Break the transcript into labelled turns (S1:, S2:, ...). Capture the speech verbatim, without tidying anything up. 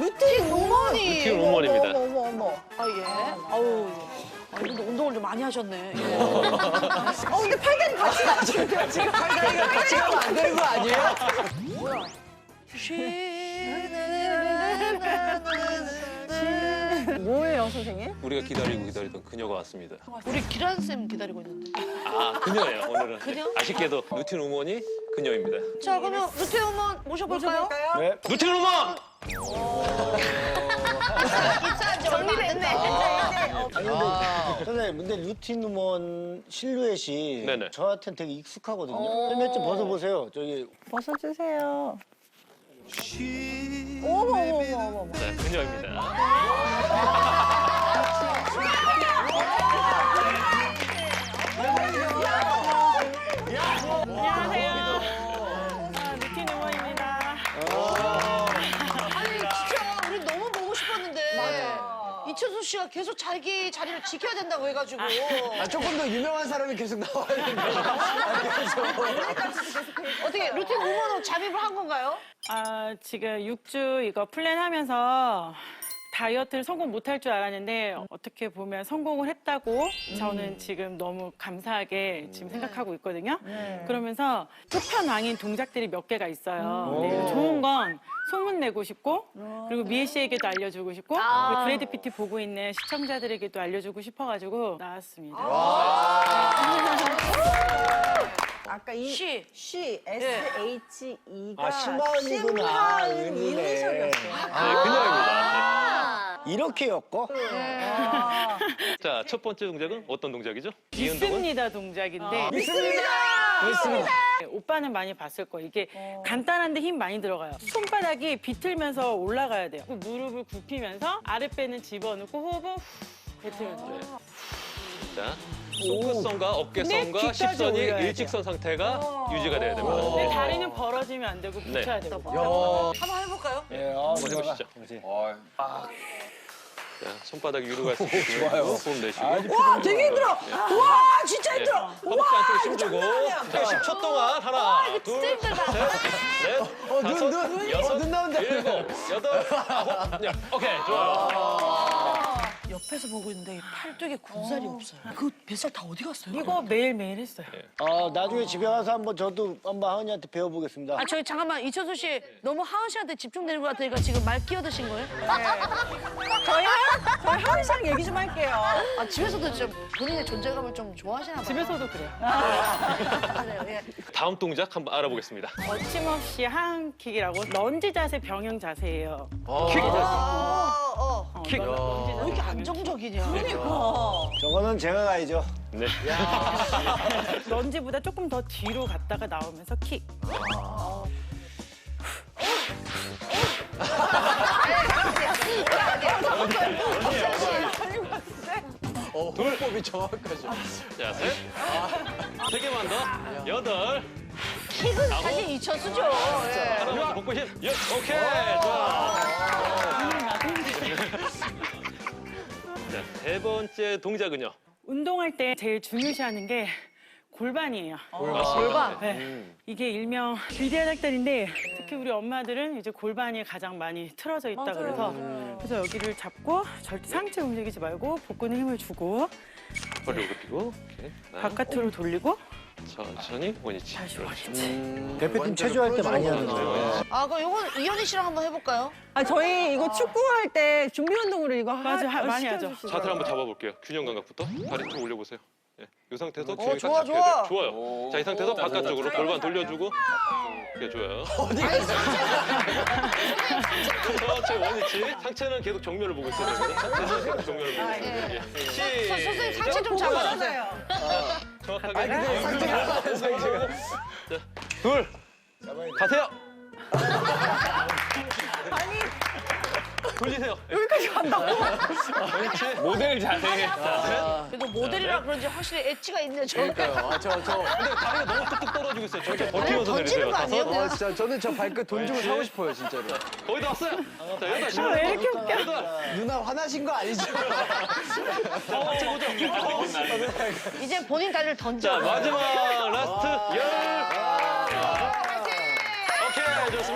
S1: 루틴 우먼이.
S2: 루틴 우먼입니다.
S1: 어머, 어머, 어머.
S3: 아, 예. 아우. 아, 근데 운동을 좀 많이 하셨네. 예.
S1: 어, 근데 팔다리 같이 나가시는데요, 지금? 팔다리가 같이 가면 안 되는 거 아니에요?
S3: 뭐야?
S1: 뭐예요, 선생님?
S2: 우리가 기다리고 기다리던 그녀가 왔습니다.
S3: 우리 기란 쌤 기다리고 있는데.
S2: 아, 그녀예요, 오늘은.
S3: 그녀?
S2: 아쉽게도 루틴 우먼이 그녀입니다.
S3: 자, 그러면 루테 우먼 모셔볼까요?
S2: 네. 루틴 우먼!
S3: 입사한 지 얼마 안 됐네.
S4: 아니 근데 선생님 근데 루틴 우먼 실루엣이
S2: 네네.
S4: 저한테는 되게 익숙하거든요. 헬멧 좀 벗어보세요. 저기
S1: 벗어주세요. 어머, 어머, 어머, 어머.
S2: 네, 그녀입니다.
S5: 안녕하세요. 루틴 우먼입니다.
S3: 아니, 진짜 우리 너무 보고 싶었는데. 이천수 씨가 계속 자기 자리를 지켜야 된다고 해가지고.
S6: 아, 조금 더 유명한 사람이 계속 나와야 되는데.
S3: 어떻게 루틴 우먼으로 잠입을 한 건가요?
S5: 아, 지금 육 주 이거 플랜하면서 다이어트를 성공 못할 줄 알았는데 어떻게 보면 성공을 했다고 저는 지금 너무 감사하게 지금 생각하고 있거든요. 그러면서 끝판왕인 동작들이 몇 개가 있어요. 네, 좋은 건 소문내고 싶고 그리고 미애 씨에게도 알려주고 싶고 그리고 브래드 피티 보고 있는 시청자들에게도 알려주고 싶어가지고 나왔습니다.
S1: 아까 이
S3: 시.
S1: 쉬, 에스 에이치 이가
S4: 아, 심하은이구나.
S1: 심하은
S4: 은이네.
S1: 이니셜이었어요.
S2: 네, 그녀입니다.
S4: 이렇게 엮어?
S2: 자, 첫 번째 동작은 어떤 동작이죠? 이 운동은?
S5: 믿습니다 동작인데
S4: 믿습니다. 믿습니다.
S5: 네, 오빠는 많이 봤을 거예요. 이게 간단한데 힘 많이 들어가요. 손바닥이 비틀면서 올라가야 돼요. 무릎을 굽히면서 아랫배는 집어넣고 호흡은 후 뱉으면서.
S2: 자, 손끝선과 어깨선과
S5: 네, 귀까지
S2: 십선이
S5: 올려야 돼요.
S2: 일직선 상태가 유지가 돼야 됩니다.
S5: 근데
S2: 네.
S5: 다리는 벌어지면 안 되고
S2: 네.
S5: 붙여야 돼요.
S3: 한번 해볼까요?
S4: 예, 아,
S2: 한번 해보시죠.
S4: 그렇지.
S2: 자, 손바닥 위로 갈 수 있게 호흡 내쉬고.
S1: 와, 되게 힘들어. 와, 진짜
S2: 예,
S1: 힘들어.
S2: 허벅지 안쪽으로 힘주고 자, 십 초 동안 하나, 둘, 셋, 넷,
S6: 어, 눈,
S2: 다섯,
S6: 눈.
S2: 여섯,
S6: 어, 눈 나온다.
S2: 일곱, 여덟, 아홉, 열. 오케이, 좋아요.
S3: 옆에서 보고 있는데 팔뚝에 군살이 없어요. 그 뱃살 다 어디 갔어요?
S5: 이거 매일매일 했어요.
S4: 아, 나중에 집에 가서 한번 저도 한번 하은이한테 배워보겠습니다.
S3: 아, 저희 잠깐만 이천수 씨 너무 하은 씨한테 집중되는 것 같으니까 지금 말 끼어드신 거예요?
S1: 저희 하- 저희 하은 씨랑 얘기 좀 할게요.
S3: 아, 집에서도 좀 본인의 존재감을 좀 좋아하시나 봐요.
S5: 집에서도 그래요.
S3: 맞아요. 예.
S2: 다음 동작 한번 알아보겠습니다.
S5: 거침없이 하한킥이라고 런지 자세 병행 자세예요.
S2: 킥!
S3: 어, 어.
S2: 킥!
S3: 왜 이렇게 안정적이냐?
S4: 저거는 제가 가야죠.
S2: 네.
S5: 런지보다 조금 더 뒤로 갔다가 나오면서 킥.
S6: 어, 호흡법이 정확하죠.
S2: 자, 셋. 세 개만 더. 여덟.
S3: 킥은 사실 이천수죠. 예.
S2: 하나, 복부심. 여, 오케이. 좋아. 자, 세 번째 동작은요.
S5: 운동할 때 제일 중요시하는 게 골반이에요.
S2: 골반.
S5: 네. 이게 일명 비대한 학달인데 특히 우리 엄마들은 이제 골반이 가장 많이 틀어져 있다 그래서 그래서 여기를 잡고 절대 상체 움직이지 말고 복근에 힘을 주고
S2: 허리를 굽히고. 오케이. 하나,
S5: 바깥으로 돌리고
S2: 천천히 원위치.
S5: 다시 원위치.
S4: 대표팀 체조할 때 많이 하는데요.
S3: 아, 그럼 이건 이현희 씨랑 한번 해볼까요?
S1: 아, 저희 이거 축구할 때 준비 운동으로 이거
S5: 맞아,
S1: 하,
S5: 많이 하죠.
S1: 시켜주시더라고요.
S2: 자세를 한번 잡아볼게요. 균형 감각부터. 다리 좀 올려보세요. 예. 이 상태에서
S3: 어,
S2: 균형이
S3: 좋아,
S2: 딱 잡혀야 돼요.
S3: 좋아.
S2: 좋아요. 자, 이 상태에서 바깥쪽으로 골반 돌려주고. 그게 좋아요. 천천히 원위치. 상체는 계속 정면을 보고 있어야 됩니다. 상체는 계속 정면을 보고 있어야 돼요. 예.
S3: 서- 선생님
S2: 시작.
S3: 상체 좀 잡아주세요.
S1: 맞아요.
S2: 정확하게.
S6: 상체가, 상체가.
S2: 자, 둘. 가세요. 돌리세요.
S1: 여기까지 간다고?
S2: 원위치. 모델 자세. 자,
S3: 그래도 모델이라 그런지 확실히 엣지가 있네, 저.
S6: 그러니까요. 아, 저, 저.
S2: 근데 다리가 너무 뚝뚝 떨어지고 있어요. 저렇게 버티면서
S3: 던지는
S2: 내리세요.
S3: 거 아니에요?
S2: 다섯.
S6: 아, 진짜 저는 저 발끝 돈 주고
S2: 왠지.
S6: 사고 싶어요, 진짜로.
S2: 거의 다 왔어요. 자, 여덟.
S5: 아, 왜 이렇게 웃겨?
S2: 여덟.
S6: 누나 화나신 거 아니죠?
S2: 다 같이 보죠.
S3: 이제 본인 다리를 던져.
S2: 자, 마지막 라스트 열. 오케이, 좋습니다.